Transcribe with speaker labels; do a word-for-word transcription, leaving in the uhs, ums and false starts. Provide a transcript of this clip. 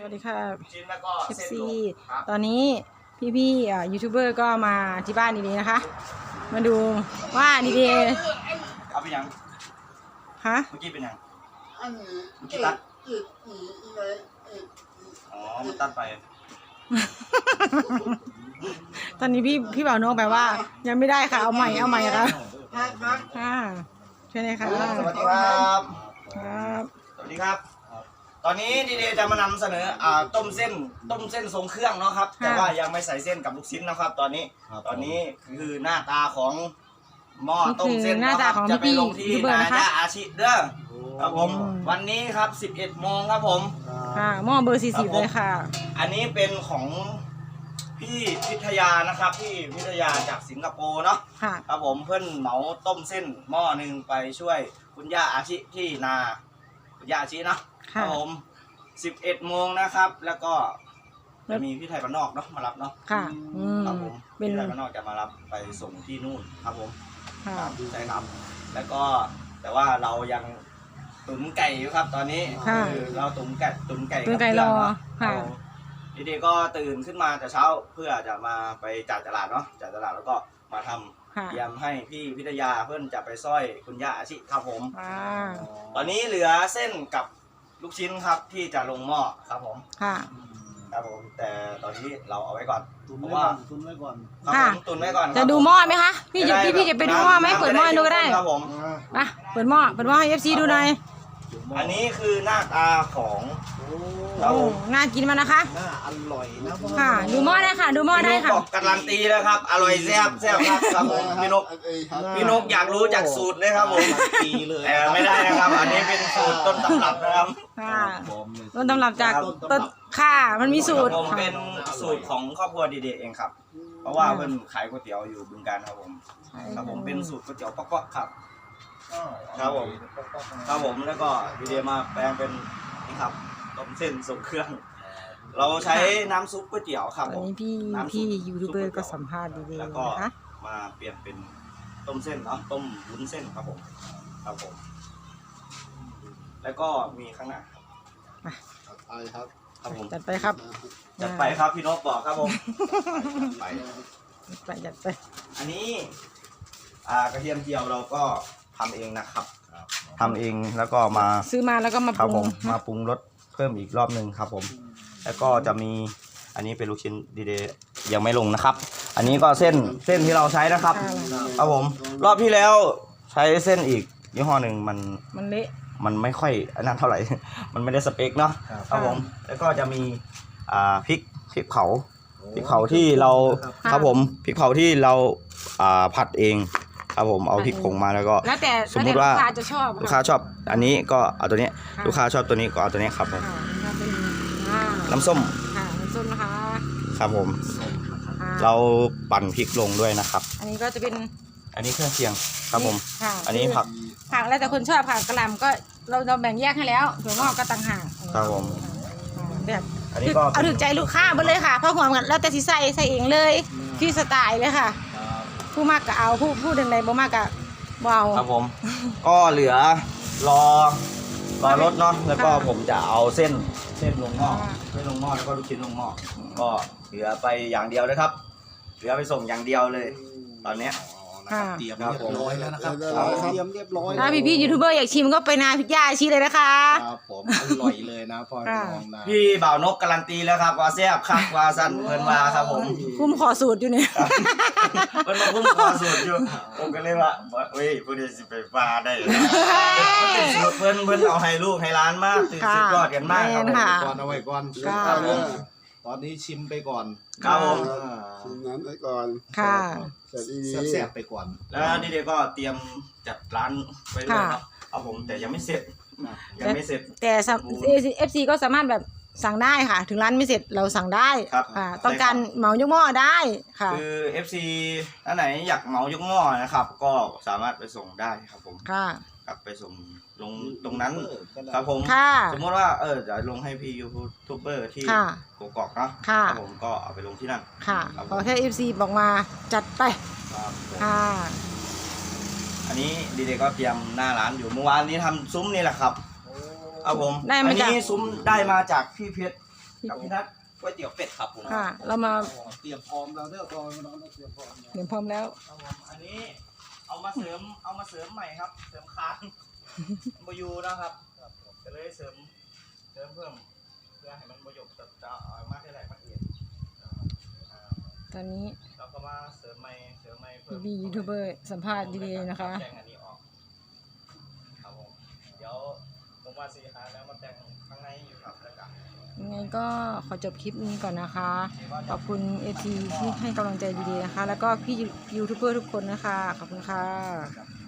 Speaker 1: วัสดีค่ะ
Speaker 2: ชิ้นแล้วก็
Speaker 1: เอฟ
Speaker 2: เส้น
Speaker 1: ซี
Speaker 2: ลง
Speaker 1: ตอนนี้พี่ๆอ่ายูทูบเบอร์ก็มาที่บ้านดีๆนะคะ มาดูว่าดีๆ
Speaker 2: เอาไปยัง
Speaker 1: ฮะ
Speaker 2: เมื่อกี้เป็นยัง
Speaker 3: อันนี้
Speaker 2: เมื่อกี้ตัด
Speaker 3: อีกอีกอีกเลยอีก
Speaker 2: อ๋อมันตัดไป
Speaker 1: ตอนนี้พี่พี่บ่าวน้องแปลว่า ยังไม่ได้ค่ะเอาใหม่เอาใหม่ค่ะ
Speaker 3: พักพัก
Speaker 1: ค่ะช่วยหน่อยค่ะ
Speaker 2: สวัสดีครับ
Speaker 1: ครับ
Speaker 2: สวัสดีครับ ตอนนี้ดีเดย์จะมานำเสนออ่าต้มเส้นต้มเส้นทรงเครื่องเนาะครับ แต่ว่ายังไม่ใส่เส้นกับลูกชิ้นนะครับ ตอนนี้ตอนนี้คือหน้าตาของหม้อต้มเส้น
Speaker 1: หน้าตาของ
Speaker 2: จะไป
Speaker 1: พี่
Speaker 2: ลงที่
Speaker 1: ยูทูบเบอร์
Speaker 2: นา
Speaker 1: นะคะ
Speaker 2: ยาอาชิเด้อครับผม
Speaker 1: อืม
Speaker 2: วันนี้ครับสิบเอ็ดโมงครับผม
Speaker 1: ค่ะหม้อเบอร์สี่สิบเลยค่ะ
Speaker 2: อันนี้เป็นของพี่พิทยานะครับพี่พิทยาจากสิงคโปร์เนาะ
Speaker 1: ค่ะ
Speaker 2: ครับผมเพื่อนเหมาต้มเส้นหม้อหนึ่งไปช่วยคุณย่าอาชิที่นาคุณย่าอาชิเนาะค
Speaker 1: ค่ะ
Speaker 2: รับผมสิบเอ็ดโมงนะครับ แล้วก็จะมีพี่ไทยบ้านนอกเนาะมารับเนาะ
Speaker 1: ค่ะอืม
Speaker 2: ครับผม
Speaker 1: เป็น
Speaker 2: พี่ไทยบ้านนอกจะมารับไปส่งที่นู่นครับผม
Speaker 1: ค่ะ
Speaker 2: ครับใช่ครับ แล้วก็แต่ว่าเรายังตุ๋นไก่อยู่ครับ ตอนนี้
Speaker 1: ค่ะ
Speaker 2: คือเราตุ๋นไก่ตุ๋นไก่
Speaker 1: ตุ๋นไก่
Speaker 2: บ
Speaker 1: รอ
Speaker 2: เพื่นเนา
Speaker 1: ค่ะ
Speaker 2: รับผมดีๆก็ตื่นขึ้นมาแต่เช้าเพื่อจะมาไปจัดตลาดเนาะจัดตลาดแล้วก็มาทำ
Speaker 1: ค่ะ
Speaker 2: เตรียมให้พี่พิทยาเพื่อนจะไปสร้อยคุณย่าอาชิครับผม
Speaker 1: อ่า
Speaker 2: ตอนนี้เหลือเส้นกับลูกชิ้นครับที่จะลงหม้อครับผม
Speaker 1: ค่ะ
Speaker 2: ครับผมแต่ตตอนนี้เราเอาไว้ก่อน
Speaker 3: ตุน
Speaker 2: เพ
Speaker 3: ไว้
Speaker 2: ราะ
Speaker 3: ก่
Speaker 2: ว่า
Speaker 3: อนตุนไว้ก่อน
Speaker 2: ครับ
Speaker 1: ค่ะ
Speaker 2: ผมตุนไว้ก่อนค
Speaker 1: จะ
Speaker 2: รับ
Speaker 1: ดู
Speaker 2: ผม
Speaker 1: หม้อไหมคะพี่จะพี่พี่จะไปดูหม้อไหมเปิดหม้อให้ดูก็ได้
Speaker 2: ครับผม
Speaker 1: มาเปิดหม้อเปิดหม้อให้เอฟซีดูหน่อย
Speaker 2: อันนี้คือหน้าตาของ ครับ
Speaker 1: โอ้
Speaker 2: ผม
Speaker 1: น่ากินมากนะคะ
Speaker 3: น่าอร่อยนะพ่อ
Speaker 1: ค่ะ ดูหม้อได้ค่ะ ดูหม้อได้
Speaker 2: พี่นก
Speaker 1: ค่ะ
Speaker 2: บอกการันตีแล้วครับอร่อยแซ่บแซ่บครับครับผมพี่นกพี่นกอยากรู้จากสูตรเลยครับผม
Speaker 3: ปีเลย
Speaker 2: แต่ไม่ได้นะครับ อันนี้เป็นสูตรต้นตำรับนะครับ
Speaker 1: ค่ะ
Speaker 3: บอมเลย
Speaker 1: ต้นตำรับจากต้นค่ะมันมีสูตร
Speaker 2: ผมเป็นสูตรของครอบครัวดีเดย์เองครับ เพราะว่าเพิ่นขายก๋วยเตี๋ยวอยู่บึงการครับผมครับผมเป็นสูตรก๋วยเตี๋ยวป๊อกๆครับ ครับผม ครับผมแล้วก็ดีเดย์มาแปลงเป็นนี่ครับต้มเส้นทรงเครื่อง เราใช้น้ำซุปก๋วยเตี๋ยวครับ
Speaker 1: ต
Speaker 2: ผ
Speaker 1: อน
Speaker 2: ม
Speaker 1: นี้พี่
Speaker 2: น้ำซุป
Speaker 1: พี่ยูทูบเบอร์ก็สัมภาษณ์ดีๆ
Speaker 2: แล้วก็
Speaker 1: นะคะ
Speaker 2: มาเปลี่ยนเป็นต้มเส้นเนาะต้มวุ้นเส้นครับผมครับผม แล้วก็มีข้างหน้าครับ
Speaker 3: ไปครับ
Speaker 2: ครับผม
Speaker 1: จัดไปครับ
Speaker 2: จัดไปครับพี่นกบอกครับผมไป
Speaker 1: ไปจัดไป
Speaker 2: อันนี้อ่ากระเทียมเจียวเราก็ทำเองนะครับทำเองแล้วก็มา
Speaker 1: ซื้อมาแล้วก็มา
Speaker 2: ครับ
Speaker 1: ป
Speaker 2: ผ
Speaker 1: รุ
Speaker 2: ม
Speaker 1: ง
Speaker 2: มาปรุงรสเพิ่มอีกรอบหนึ่งครับผม แล้วก็จะมีอันนี้เป็นลูกชิ้นดีเดย์ยังไม่ลงนะครับ อันนี้ก็เส้นเส้นที่เราใช้นะครับ ครับผม รอบที่แล้วใช้เส้นอีกยี่ห้อหนึ่งมัน
Speaker 1: มันเละ
Speaker 2: มันไม่ค่อยอันนั้นเท่าไหร่ มันไม่ได้สเปคเนาะครับผม แล้วก็จะมีอ่าพริกพริกเผาพริกเผาที่เราครับผมพริกเผาที่เราอ่าผัดเองครับผมเอาพริกผงมาแล้วก็
Speaker 1: แล้วแต่
Speaker 2: สมมุติว่า
Speaker 1: แล้วแต่ลูกค้าจะชอบ
Speaker 2: ลูกค้าชอบอันนี้ก็เอาตัวนี้
Speaker 1: ะ
Speaker 2: ลูกค้าชอบตัวนี้ก็เอาตัวนี้ครับผม
Speaker 1: ค่ะแล้วเป็นอ่า
Speaker 2: น้ำส้ม
Speaker 1: ค่ะน้ำส้มนะคะ
Speaker 2: ครับผม
Speaker 1: ค่ะ
Speaker 2: เราปั่นพริกลงด้วยนะครับ
Speaker 1: อันนี้ก็จะเป็น
Speaker 2: อันนี้เครื่องเคียงครับผม
Speaker 1: ค่ะ
Speaker 2: อันนี้ผัก
Speaker 1: ผักแล้วแต่คนชอบค่ะกระหล่ำก็เราเราแบ่งแยกให้แล้วถั่วงอกก็ต่างหาก
Speaker 2: ครับผม
Speaker 1: อ่าแบบ
Speaker 2: อันนี้ก็
Speaker 1: เอาถึงใจลูกค้าไปเลยค่ะเพราะหัวมันแล้วแต่สิใส่ใส่เองเลยที่สไตล์เลยค่ะ ผู้มากก็เอาผู้ผู้ใดๆบ่มากก็บ่เอา
Speaker 2: ครับผม ก็เหลือรอรอรถเนาะแล้วก็
Speaker 1: ค่ะ
Speaker 2: ผมจะเอาเส้นเส้นลงหม้อ
Speaker 1: ค่ะ
Speaker 2: เส้นลงหม้อแล้วก็ลูกชิ้นลงหม้อก็เหลือไปอย่างเดียวนะครับ เหลือไปส่งอย่างเดียวเลย ตอนเนี้ย
Speaker 1: ค่ะ
Speaker 3: เตรียมเรียบร้อยแล้วนะครับ
Speaker 2: ครับ
Speaker 3: เตรียมเรียบร้อย
Speaker 1: ถ้าพี่พี่ๆยูทูบเบอร์อยากชิมก็ไปนาพิยาชีเลยนะคะ
Speaker 3: ครับผมอร่อยเลยนะพ่อน้องนะ
Speaker 2: พี่บ่าวนกการันตีแล้วครับว่าแซ่บคักว่าสั้นเพิ่นว่าครับผม
Speaker 1: คุ้มขอสูตรอยู่เนี่ย
Speaker 2: เพิ่นมาคุ้มคอสูตรอยู่ผมก็เลยว่าเฮ้ยผู้ใดสิไปว่าได้นะสูตรเพิ่นเพิ่นเอาให้ลูกให้ร้านมากตื่นสุดยอดกันมากครับผม
Speaker 1: ค่ะ
Speaker 3: ก่อนเอาไว้ก่อน
Speaker 1: ค่ะ
Speaker 3: ครับผมตอนนี้ชิมไปก่อน
Speaker 2: ครับผม
Speaker 3: อ่า
Speaker 4: ชิมน้ำไปก่อน
Speaker 1: ค่ะ
Speaker 4: เสร็จอีดี
Speaker 3: แซ่บๆไปก่อน
Speaker 2: แล้วนี่เด็กก็เตรียมจัดร้านไว้ด้วยครับเอาผมแต่ยังไม่เสร็จยังไม่เสร็จ
Speaker 1: แต่เอฟซีก็สามารถแบบสั่งได้ค่ะ ถึงร้านไม่เสร็จเราสั่งได้
Speaker 2: ครับ
Speaker 1: อ่าต้องการเหมายกหม้อได้ค่ะ
Speaker 2: คือ เอฟ ซี ท่านไหนอยากเหมายกหม้อนะครับ ก็สามารถไปส่งได้ครับผม
Speaker 1: ค่ะ
Speaker 2: ครับไปส่งลงตรงนั้นครับผม
Speaker 1: ค่ะ
Speaker 2: สมมติว่าเออจะลงให้พี่ยูทูบเบอร์ที่
Speaker 1: ค่ะ
Speaker 2: กกอกเนาะ
Speaker 1: ค่ะ
Speaker 2: ครับผมก็เอาไปลงที่นั่น
Speaker 1: ค่ะ
Speaker 2: ครับผม
Speaker 1: ขอแค่เอฟซีบอกมาจัดไป
Speaker 2: ครับผม
Speaker 1: ค่ะ
Speaker 2: อันนี้ดีเดก็เตรียมหน้าร้านอยู่เมื่อวานนี้ทำซุ้มนี่แหละครับเอาผม
Speaker 1: ได้
Speaker 2: อั
Speaker 1: มาจาก
Speaker 2: นี้ซุ้มได้มาจากพี่เพชรกับพี่ทัศน์ก๋วยเตี๋ยวเป็ดครับผม
Speaker 1: ค่ะ เรามา
Speaker 3: เตรียมพร้อมแล้วเด้อพอน้องเตรียมพร้อมแล้ว
Speaker 1: เดี๋ยวพร้อมแล้ว
Speaker 2: ครับผมอันนี้เอามาเสริมเอามาเสริมใหม่ครับ เสริมค้างบอยูนะครับก็เลยเสริมเสริมเพิ่มเพื่อให้มันประโยชน์จะจะเอามากได้หลายมากเอียด
Speaker 1: ตอนนี้
Speaker 2: เราก็มาเสริมใหม่เสริมใหม่เพิ่ม
Speaker 1: พี่ๆยูทูบเบอร์สัมภาษณ์ดีๆนะคะ
Speaker 2: แต่งอันนี้ออกครับผมเดี๋ยวผมว่าสีหาแล้วมาแต่งข้างในอยู่ครับแล้วกัน
Speaker 1: ยังไงก็ขอจบคลิปนี้ก่อนนะคะ ขอบคุณเอทีที่ให้กำลังใจดีๆนะคะ แล้วก็พี่ยูทูบเบอร์ทุกคนนะคะ ขอบคุณค่ะ